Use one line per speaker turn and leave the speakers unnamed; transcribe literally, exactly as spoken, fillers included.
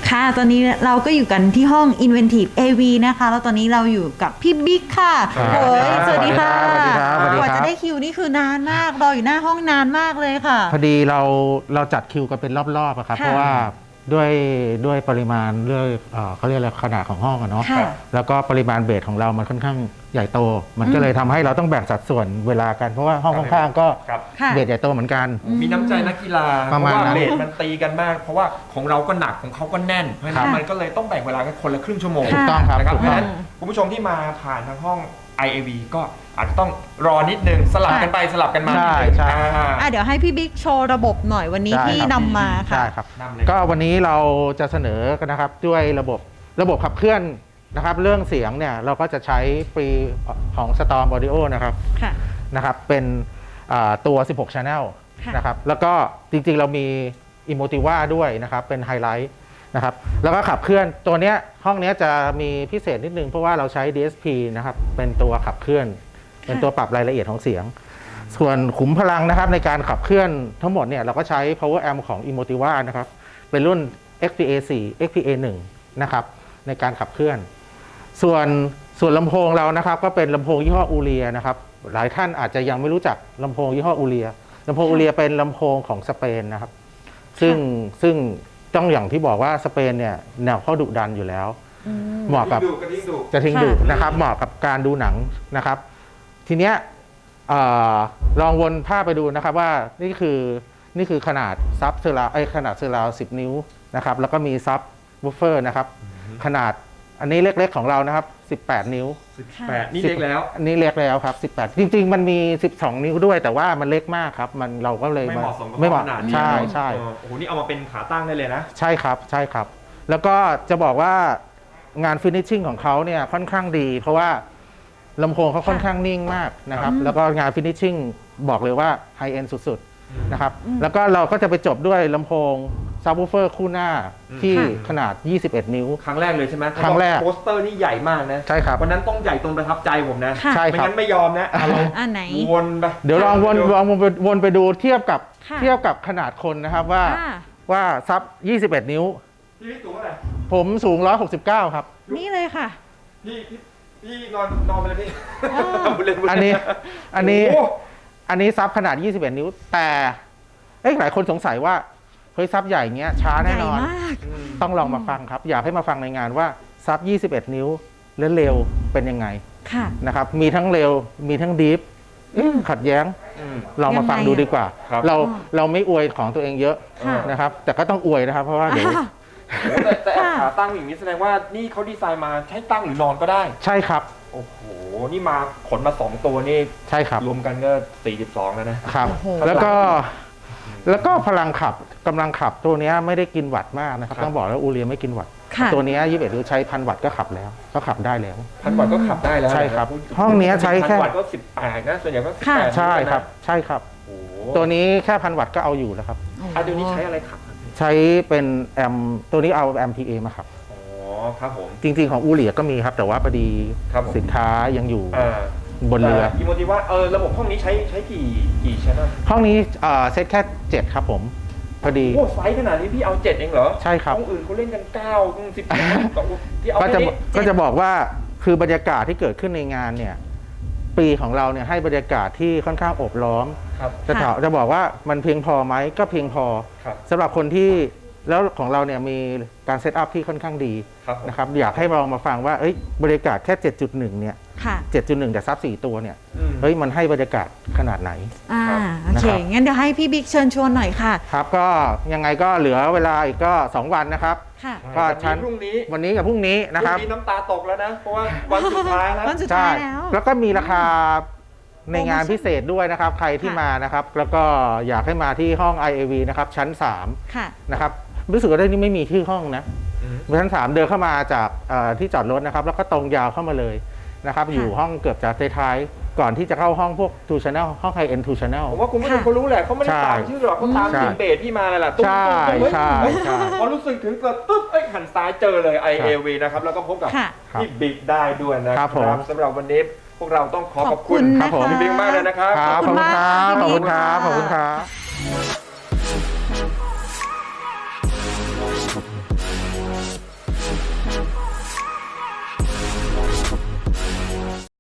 ค่ะตอนนี้เราก็อยู่กันที่ห้อง Inventive เอ วี นะคะแล้วตอนนี้เราอยู่กับพี่บิ๊กค่ะโอ้ยสวัสดีค่ะกว่าจะได้คิวนี่คือนานมากรออยู่หน้าห้องนานมากเลยค่ะ
พอดีเราเราจัดคิวกันเป็นรอบๆครับเพราะว่าด้วยด้วยปริมาณเรื่องเขาเรียกอะไรขนาดของห้องอะเนาะแล้วก็ปริมาณเบสของเรามันค่อนข้างใหญ่โตมันก็เลยทำให้เราต้องแบ่งสัดส่วนเวลากันเพราะว่าห้องข้างๆก็เบสใหญ่โตเหมือนกัน
มีน้ำใจนักกีฬาเพราะว่าเบสมันตีกันมากเพราะว่าของเราก็หนักของเขาก็แน่นเพราะฉะนั้นมันก็เลยต้องแบ่งเวลากันคนละครึ่งชั่วโมง
ถูกต้องครับ
เพราะฉะนั้นคุณผู้ชมที่มาผ่านทางห้อง ไอ เอ วี ก็อาจจะต้องรอนิดนึงสลับกันไปสลับกันมา
ใช่ใช่
เดี๋ยวให้พี่บิ๊กโชว์ระบบหน่อยวันนี้ที่นำมาค่ะ
ใช่ครับก็วันนี้เราจะเสนอกันนะครับด้วยระบบระบบขับเคลื่อนนะครับเรื่องเสียงเนี่ยเราก็จะใช้ฟรีของ Storm Audio นะครับนะครับเป็นตัวสิบหก Channel นะครับแล้วก็จริงๆเรามี Emotiva ด้วยนะครับเป็นไฮไลท์นะครับแล้วก็ขับเคลื่อนตัวนี้ห้องนี้จะมีพิเศษนิดนึงเพราะว่าเราใช้ ดี เอส พี นะครับเป็นตัวขับเคลื่อนเป็นตัวปรับรายละเอียดของเสียงส่วนขุมพลังนะครับในการขับเคลื่อนทั้งหมดเนี่ยเราก็ใช้ power amp ของ Emotiva นะครับเป็นรุ่น เอ็กซ์ พี เอ โฟร์ เอ็กซ์ พี เอ วันนะครับในการขับเคลื่อนส่วนส่วนลำโพงเรานะครับก็เป็นลำโพงยี่ห้ออูเรียนะครับหลายท่านอาจจะยังไม่รู้จักลำโพงยี่ห้ออูเรียลำโพงอูเรียเป็นลำโพงของสเปนนะครับซึ่งซึ่งต้องอย่างที่บอกว่าสเปนเนี่ยแนวเขาดุดันอยู่แล้วเหมาะกับจะทิ้งดุนะครับเหมาะกับการดูหนังนะครับทีเนี้ยลองวนภาพไปดูนะครับว่านี่คือนี่คือขนาดซับเซอร์ราวไอขนาดเซอร์ราวสิบนิ้วนะครับแล้วก็มีซับวูฟเฟอร์นะครับขนาดอันนี้เล็กๆของเรานะครับสิบแปดนิ้ว
สิบแปดนี่เล็กแล้ว
นี่เล็กแล้วครับสิบแปดจริงๆมันมีสิบสองนิ้วด้วยแต่ว่ามันเล็กมากครับมันเราก็เลย
ไม่เหมาะสมกับขนาดนี้
ใช่ใช่
โอ้โหนี่เอามาเป็นขาตั้งได้เลยนะ
ใช่ครับใช่ครับแล้วก็จะบอกว่างานฟินิชชิ่งของเขาเนี่ยค่อนข้างดีเพราะว่าลำโพงเขาค่อนข้างนิ่งมากนะครับแล้วก็งานฟินิชชิ่งบอกเลยว่าไฮเอ็นด์สุดๆนะครับแล้วก็เราก็จะไปจบด้วยลำโพงซับวูฟเฟอร์คู่หน้าที่ขนาดยี่สิบเอ็ดนิ้ว
ครั้งแรกเลยใช่ไหม
ครั้งแรก
โปสเตอร์นี่ใหญ่มากนะ
ใช่ครับ
วันนั้นต้องใหญ่ตรงประทับใจผมนะ
ใช่ครับ
ไม่งั้นไม่ยอมนะ
อันไหน
วนไป
เดี๋ยวลองวนลองวนไปดูเทียบกับเทียบกับขนาดคนนะครับว่าว่าซับยี่สิบเอ็ดนิ้ว
พี่สูงเท่าไหร่
ผมสูงหนึ่งร้อยหกสิบเก้าครับ
นี่เลยค่ะ
พี่พี่นอนนอนไปเลยพี่
อันนี้อันนี้อันนี้ซับขนาดยี่สิบเอ็ดนิ้วแต่หลายคนสงสัยว่าเฮ้ยซับใหญ่เงี้ยช้าแน่นอนต้องลองมาฟังครับอยากให้มาฟังในงานว่าซับยี่สิบเอ็ดนิ้วและเร็วเป็นยังไงนะครับมีทั้งเร็วมีทั้งดีฟขัดแย้งลองมาฟังดูดีกว่าเราเราไม่อวยของตัวเองเยอะนะครับแต่ก็ต้องอวยนะครับเพราะว่าเดี๋ยว
แต่ขาตั้งอย่างนี้แสดงว่านี่เขาดีไซน์มาใช้ตั้งหรือนอนก็ได้
ใช่ครับ
โอ้โหนี่มาขนมาสองตัวนี่
ใช่ครับ
รวมกันก็สี่สิบสองแล้ว
นะครับแล้วก็แล้วก็พลังขับกำลังขับตัวนี้ไม่ได้กินวัตต์มากนะครับต้องบอกแล้วอูเรียไม่กินวัตต์ตัวนี้ยี่สิบเอ็ดหรือใช้พันวัตต์ก็ขับแล้วก็ขับได้แล้ว
พันวัตต์ก็ขับได้แล้ว
ใช่ครับห้องนี้ใช้แค่
พันวัตต์ก็สิบแปดนะส่วนใหญ่ก็สิบแปด
ใช่ครับใช่ครับตัวนี้แค่พันวัตต์ก็เอาอยู่แล้วครับ
ตัวนี้ใช้อะไรขับ
ใช้เป็นแอมตัวนี้เอาแอม พี เอ มาครับ
อ๋อครับผม
จริงๆของอูเรียก็มีครับแต่ว่าพอดีสินค้ายังอยู่บนเรือ
อีโมติว่าเออระบบห้องนี้ใช้ใช้กี่กี่ชั้น
ห้องนี้เซตแค่เจ็ดครับผมพอดี
โอ้ไซส์ขนาดนี้พี่เอาเจ็ดเองเหรอ
ใช่ครับ
ห้องอื่นเขาเล่นกันเก้าถึงสิบ
ก็จะก็จะบอกว่าคือบรรยากาศที่เกิดขึ้นในงานเนี่ยปีของเราเนี่ยให้บรรยากาศที่ค่อนข้างอบล้อมจะถามจะบอกว่ามันเพียงพอไหมก็เพียงพอสำหรับคนที่แล้วของเราเนี่ยมีการเซตอัพที่ค่อนข้างดีนะครับอยากให้ลองมาฟังว่าบรรยากาศแค่ เจ็ดจุดหนึ่ง เนี่ย เจ็ดจุดหนึ่ง แต่ซับสี่ตัวเนี่ยเฮ้ยมันให้บรรยากาศขนาดไหน
อ่าโอเคงั้นเดี๋ยวให้พี่บิ๊กเชิญชวนหน่อยค่ะ
ครับก็ยังไงก็เหลือเวลาอีกก็สองวันนะครับ
ก็ชั้นพรุ่งนี้
วันนี้กับพรุ่งนี้นะครับ
พรุ่งนี้น้ำตาตกแล้วนะเพราะว่าวันสุดท้ายแล้ว
วันสุดท้ายแล้ว
แล้วก็มีราคาในงานพิเศษด้วยนะครับใครที่มานะครับแล้วก็อยากให้มาที่ห้อง ไอ เอ วี นะครับชั้นสามนะครับรู้สึกว่าได้นี่ไม่มีที่ห้องนะชั้นสามเดินเข้ามาจากที่จอดรถนะครับแล้วก็ตรงยาวเข้ามาเลยนะครับอยู่ห้องเกือบจะท้ายๆก่อนที่จะเข้าห้องพวก ทู Channel ห้อง High End ทู Channel
ผมว่าคุณผู้ชมเขารู้แหละเขาไม่ได้ตามชื่อหรอกเขาตามเสียงเบสที่มาแหละ
ใช่ใช่
พอรู้สึกถึงเกิดปุ๊บเอ้ยหันซ้ายเจอเลย ไอ เอ วี นะครับแล้วก็พบกับพี่บิ๊กได้ด้วยนะครับสำหรับวันนี้พวกเราต้องขอขอบคุณพี่บิ๊กมากเลยนะครับ
ขอบคุณครับขอบคุณครับขอบคุณครับ